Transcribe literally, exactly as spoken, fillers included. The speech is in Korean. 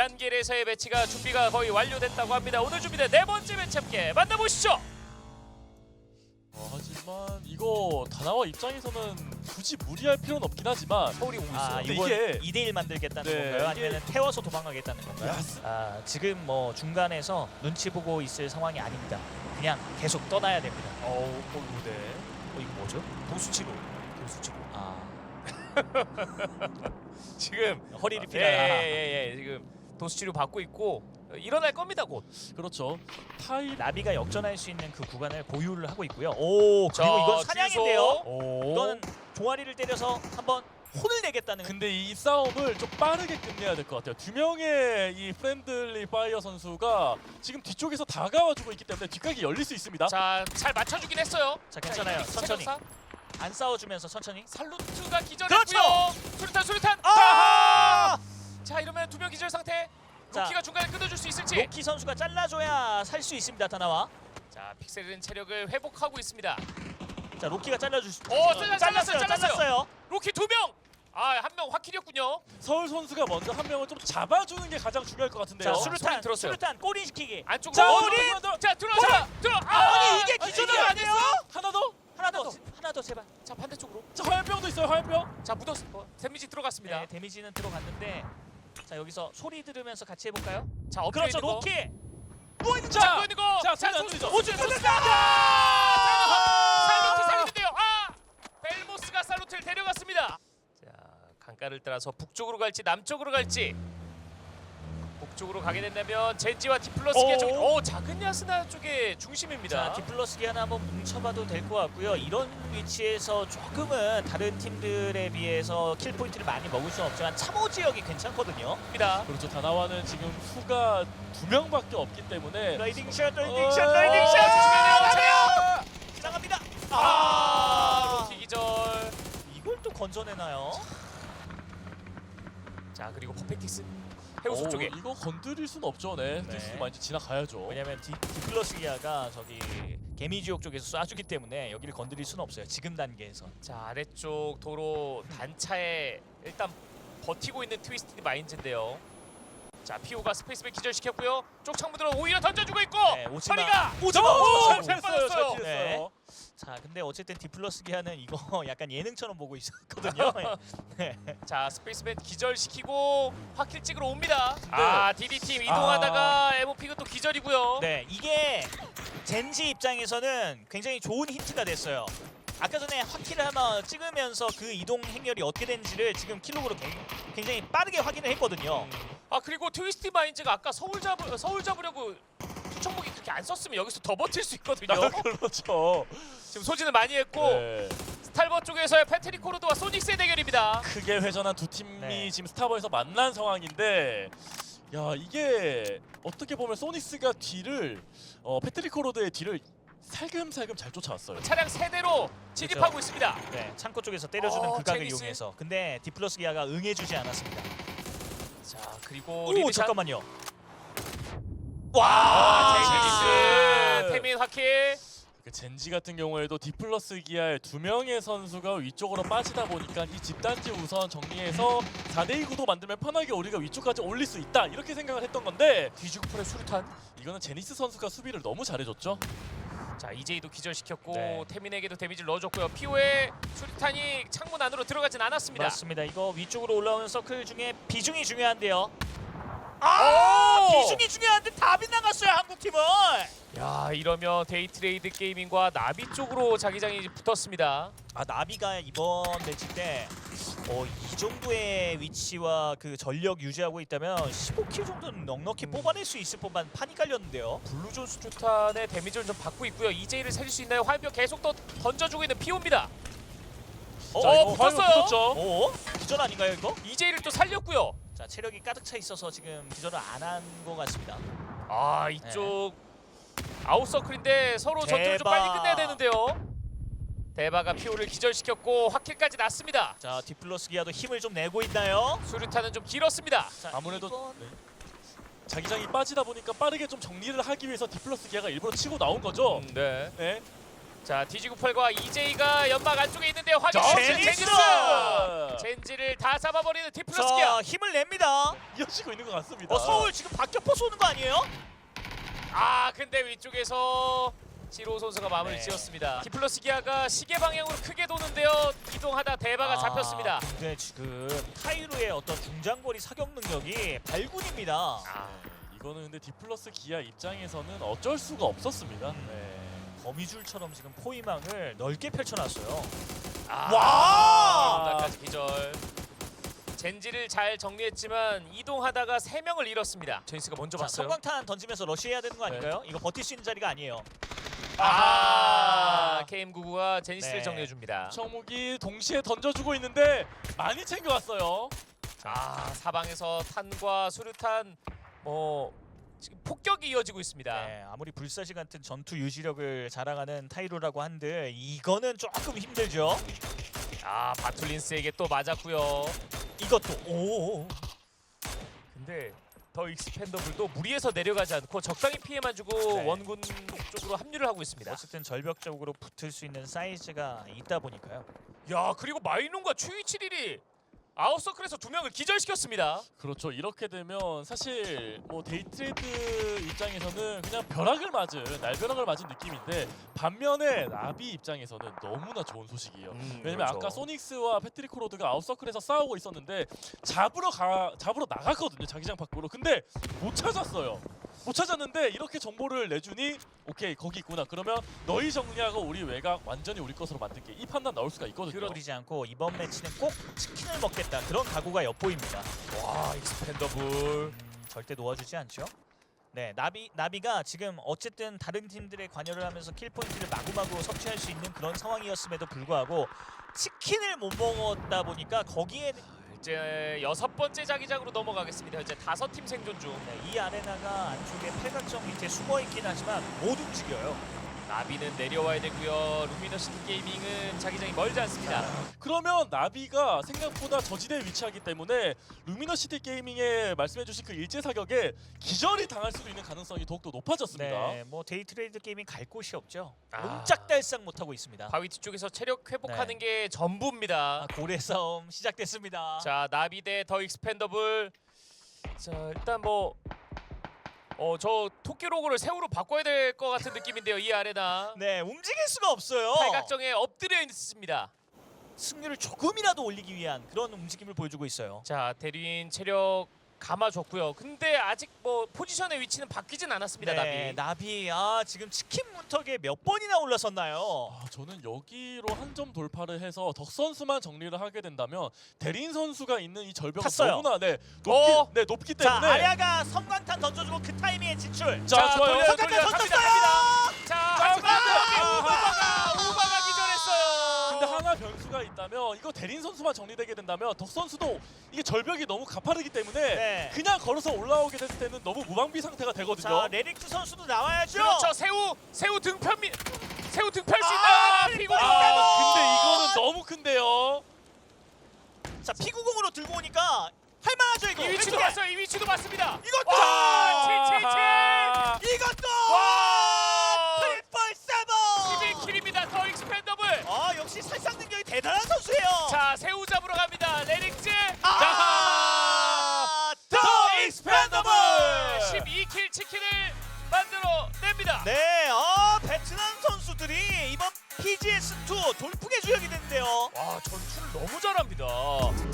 지안길에서의 매치가 준비가 거의 완료됐다고 합니다. 오늘 준비된 네 번째 매치 함께 만나보시죠. 어, 하지만 이거 다나와 입장에서는 굳이 무리할 필요는 없긴 하지만 서울이 오고 있어요. 아, 근데 이건 이게- 이 대 일 만들겠다는 네, 건가요? 이게- 아니면 태워서 도망가겠다는 건가요? 야, 아, 지금 뭐 중간에서 눈치 보고 있을 상황이 아닙니다. 그냥 계속 떠나야 됩니다. 어우 어, 네. 어, 이거 뭐죠? 도수치료. 도수치료. 아, 지금 허리를 예예예 피라. 예, 예, 지금 도수치료 받고 있고 일어날 겁니다 곧. 그렇죠. 타입 나비가 역전할 수 있는 그 구간을 보유를 하고 있고요. 오, 그리고 자, 이건 사냥인데요. 주소. 오. 이거는 종아리를 때려서 한번 혼을 내겠다는. 근데 이 싸움을 좀 빠르게 끝내야 될 것 같아요. 두 명의 이 프렌들리 파이어 선수가 지금 뒤쪽에서 다가와주고 있기 때문에 뒷각이 열릴 수 있습니다. 자, 잘 맞춰주긴 했어요. 자, 괜찮아요. 자, 천천히. 체력사. 안 싸워주면서 천천히. 살루트가 기절했고요. 그렇죠! 수류탄 수류탄. 아! 자, 이러면 두 명 기절 상태. 자, 로키가 중간에 끊어줄 수 있을지. 로키 선수가 잘라줘야 살 수 있습니다. 다나와. 자, 픽셀은 체력을 회복하고 있습니다. 자, 로키가 잘라줄 수. 오, 잘랐- 잘랐어요. 잘랐어요. 잘랐어요. 로키 두 명. 아, 한 명 확킬이었군요. 서울 선수가 먼저 한 명을 좀 잡아주는 게 가장 중요할 것 같은데요. 자, 소리 수류탄. 들었어요. 수류탄 꼬리 시키기. 안쪽으로. 자, 어, 우리- 들어. 자, 들어. 자, 자, 들어. 아, 아니, 이게 아, 기준을 이게 안 했어? 하나 더. 하나 더. 더. 하나 더 제발. 자, 반대쪽으로. 자, 화염병도 있어요. 화염병. 자, 묻었어. 어, 데미지 들어갔습니다. 네, 데미지는 들어갔는데. 자, 여기서 소리 들으면서 같이 해볼까요? 자, 업그레이드 그렇죠, 거. 로키. 자, 자, 보이는 거. 자, 자, 소리 안 소- 들리죠? 오준 좋습니다. 살루트 살리는데요. 아! 벨모스가 살루트를 데려갔습니다. 자, 강가를 따라서 북쪽으로 갈지 남쪽으로 갈지. 북쪽으로 가게 된다면 젠지와 디플러스기아 오. 쪽, 오, 작은 야스나 쪽의 중심입니다. 자, 디플러스 기아는 한번 뭉쳐봐도 될 것 같고요. 이런 위치에서 조금은 다른 팀들에 비해서 킬 포인트를 많이 먹을 수는 없지만 참호 지역이 괜찮거든요. 입니다. 그렇죠. 다나와는 지금 수가 두 명밖에 없기 때문에 라이딩 샷, 라이딩 어, 샷, 라이딩 어, 샷. 조심해요. 지나갑니다. 아, 아, 로키 기절. 이걸 또 건져내나요? 자, 그리고 퍼펙틱스 해우소 오, 쪽에. 이거 건드릴 수는 없죠. 네. 네. 디스 많이 지나가야죠. 왜냐면 디, 디플러스 기아가 저기 개미지옥 쪽에서 쏴주기 때문에 여기를 건드릴 수는 없어요. 지금 단계에서. 자, 아래쪽 도로 단차에 일단 버티고 있는 트위스티드 마인즈인데요. 자, 피오가 스페이스백 기절시켰고요. 쪽 창문으로 오히려 던져주고 있고. 네, 오지마. 서리가 오지마. 오, 오지마. 잘 잘 뺐어요. 잘 빠졌어요. 피했어요. 자, 근데 어쨌든 디플러스 기아는 이거 약간 예능처럼 보고 있었거든요. 네. 자, 스페이스백 기절시키고 화킬 찍으러 옵니다. 아, 디디팀 아. 이동하다가 에모픽은 또 기절이고요. 네, 이게 젠지 입장에서는 굉장히 좋은 힌트가 됐어요. 아까 전에 화키를 하나 찍으면서 그 이동 행렬이 어떻게 되는지를 지금 킬로그로 굉장히 빠르게 확인을 했거든요. 아, 그리고 트위스티 마인즈가 아까 서울 잡으 서울 잡으려고 투척목이 그렇게 안 썼으면 여기서 더 버틸 수 있거든요. 아, 그렇죠. 지금 소진을 많이 했고 네. 스탈버 쪽에서의 패트릭 코르도와 소닉스의 대결입니다. 크게 회전한 두 팀이 네. 지금 스타버에서 만난 상황인데, 야 이게 어떻게 보면 소닉스가 뒤를 어, 패트릭 코로드의 뒤를 살금살금 잘 쫓아왔어요. 차량 세 대로 진입하고 있습니다. 네, 창고 쪽에서 때려주는 어, 그 각을 제니스. 이용해서. 근데 디플러스 기아가 응해주지 않았습니다. 자, 그리고 오, 리드샷. 잠깐만요. 아, 아, 제니스 태민 화킬. 그 젠지 같은 경우에도 디플러스 기아의 두 명의 선수가 위쪽으로 빠지다 보니까 이 집단지 우선 정리해서 사 대 이 구도 만들면 편하게 우리가 위쪽까지 올릴 수 있다 이렇게 생각을 했던 건데, 뒤죽풀의 수류탄. 이거는 제니스 선수가 수비를 너무 잘해줬죠. 자, 이제이도 기절시켰고 네. 태민에게도 데미지를 넣어줬고요. 피오의 수류탄이 창문 안으로 들어가진 않았습니다. 맞습니다. 이거 위쪽으로 올라오는 서클 중에 비중이 중요한데요. 오! 아, 비중이 중요한데 다 빗나갔어요, 한국 팀은. 야, 이러면 데이트레이드 게이밍과 나비 쪽으로 자기장이 붙었습니다. 아, 나비가 이번 매치 때 어, 이 정도의 위치와 그 전력 유지하고 있다면 십오 킬 정도는 넉넉히 음. 뽑아낼 수 있을 법한 판이 깔렸는데요. 블루존 수류탄의 데미지를 좀 받고 있고요. 이제이를 살릴 수 있나요? 화염병 계속 또 던져주고 있는 피오입니다. 어, 자, 어, 이거 화염 붙었어요? 붙었죠. 어? 기절 아닌가요, 이거? 이제이를 또 살렸고요. 자, 체력이 가득 차 있어서 지금 기절을 안 한 것 같습니다. 아, 이쪽 아웃서클인데 서로 전투를 좀 대박. 빨리 끝내야 되는데요. 대바가 피오를 기절시켰고 화킬까지 났습니다. 자, 디플러스 기아도 힘을 좀 내고 있나요? 수류탄은 좀 길었습니다. 자, 아무래도 이번- 네. 자기장이 빠지다 보니까 빠르게 좀 정리를 하기 위해서 디플러스 기아가 일부러 치고 나온 거죠. 음, 네. 네. 자 디지구팔과 이제이가 연막 안쪽에 있는데요. 확인. 자, 제니스. 제니스! 젠지를 다 잡아버리는 디플러스기야. 자 힘을 냅니다. 이어지고 있는 것 같습니다. 어 서울 지금 박격포 쏘는 거 아니에요? 아 근데 위쪽에서 지로 선수가 마무리 네. 지었습니다. 디플러스 기아가 시계 방향으로 크게 도는데요. 이동하다 대바가 아, 잡혔습니다. 근데 지금 타이루의 어떤 중장거리 사격 능력이 발군입니다. 아, 이거는 근데 디플러스 기아 입장에서는 어쩔 수가 없었습니다. 음. 네. 거미줄처럼 지금 포위망을 넓게 펼쳐놨어요. 아, 와! 나까지 기절. 젠지를 잘 정리했지만 이동하다가 세 명을 잃었습니다. 제니스가 먼저 자, 봤어요. 성광탄 던지면서 러시해야 되는 거 아닐까요? 이거 버틸 수 있는 자리가 아니에요. 아, 케이엠구구가 제니스를 네. 정리해 줍니다. 청목이 동시에 던져주고 있는데 많이 챙겨왔어요. 아, 사방에서 탄과 수류탄 뭐 지금 폭격이 이어지고 있습니다. 네, 아무리 불사시 같은 전투 유지력을 자랑하는 타이루라고 한들 이거는 조금 힘들죠. 아, 바툴린스에게 또 맞았고요. 이것도 오. 근데 더 익스펜더블도 무리해서 내려가지 않고 적당히 피해만 주고 네. 원군 쪽으로 합류를 하고 있습니다. 어쨌든 절벽적으로 붙을 수 있는 사이즈가 있다 보니까요. 야, 그리고 마이농과 추이칠일이 아웃서클에서 두 명을 기절시켰습니다. 그렇죠. 이렇게 되면 사실 뭐 데이트레이드 입장에서는 그냥 벼락을 맞은 날벼락을 맞은 느낌인데 반면에 나비 입장에서는 너무나 좋은 소식이에요. 음, 왜냐면 그렇죠. 아까 소닉스와 패트릭 코로드가 아웃서클에서 싸우고 있었는데 잡으러 가 잡으러 나갔거든요. 자기장 밖으로. 근데 못 찾았어요. 못 찾았는데 이렇게 정보를 내주니 오케이 거기 있구나. 그러면 너희 정리하고 우리 외곽 완전히 우리 것으로 만들게. 이 판단 나올 수가 있거든요. 그러지 않고 이번 매치는 꼭 치킨을 먹겠다 그런 각오가 엿보입니다. 와, 익스펜더블. 음, 절대 놓아주지 않죠. 네, 나비 나비가 지금 어쨌든 다른 팀들의 관여를 하면서 킬 포인트를 마구마구 섭취할 수 있는 그런 상황이었음에도 불구하고 치킨을 못 먹었다 보니까 거기에 이제 여섯 번째 자기장으로 넘어가겠습니다. 이제 다섯 팀 생존 중. 네, 이 아레나가 안쪽에 팔각정 밑에 숨어 있긴 하지만 못 움직여요. 나비는 내려와야 되고요. 루미너시티 게이밍은 자기장이 멀지 않습니다. 그러면 나비가 생각보다 저지대에 위치하기 때문에 루미너시티 게이밍에 말씀해주신 그 일제 사격에 기절이 당할 수도 있는 가능성이 더욱더 높아졌습니다. 네, 뭐 데이트레이드 게이밍 갈 곳이 없죠. 아. 옴짝달싹 못 하고 있습니다. 바위 뒤쪽에서 체력 회복하는 네. 게 전부입니다. 아, 고래 싸움 시작됐습니다. 자, 나비 대 더 익스펜더블. 자, 일단 뭐 어, 저 토끼 로고를 새우로 바꿔야 될 것 같은 느낌인데요. 이 아레나. 네, 움직일 수가 없어요. 팔각정에 엎드려 있습니다. 승률을 조금이라도 올리기 위한 그런 움직임을 보여주고 있어요. 자, 대리인 체력 감아줬고요. 근데 아직 뭐 포지션의 위치는 바뀌진 않았습니다. 네, 나비. 나비. 아, 지금 치킨 문턱에 몇 번이나 올라섰나요? 아, 저는 여기로 한 점 돌파를 해서 덕 선수만 정리를 하게 된다면 대린 선수가 있는 이 절벽은 탔어요. 너무나 네, 높기, 어? 네, 높기 자, 때문에 아야가 섬광탄 던져주고 그 타이밍에 진출. 자, 좋아요. 돌려, 섬광탄 돌려, 던졌어요. 갑니다, 자, 하지만 아, 우바가 우바가 기절했어요. 근데 하나 변수가 있다면 이거 대린 선수만 정리되게 된다면 덕 선수도 이게 절벽이 너무 가파르기 때문에 네. 그냥 걸어서 올라오게 됐을 때는 너무 무방비 상태가 되거든요. 자, 레릭트 선수도 나와야죠. 그렇죠. 새우 새우 등편 미 새우 등펼 수 아, 있다. 트리플 피고리. 아, 근데 이거는 너무 큰데요. 자, 피구공으로 들고 오니까 할만하죠 이거. 이 위치도 왼쪽에. 봤어요. 이 위치도 봤습니다. 이것도. 와, 칠칠칠. 아, 이것도. 와! 트리플 세븐. 십일 킬입니다. 더 익스펜더블. 아, 역시 살상 능력이 대단한 선수예요. 자, 새우 잡으러 갑니다. 레릭즈. 아, 더 익스펜더블. 십이 킬 치킨을 만들어 냅니다. 네, 어, 베트남 선수들이 이번 피지에스 투 돌풍의 주역이 됐는데요. 와, 전투를 너무 잘합니다.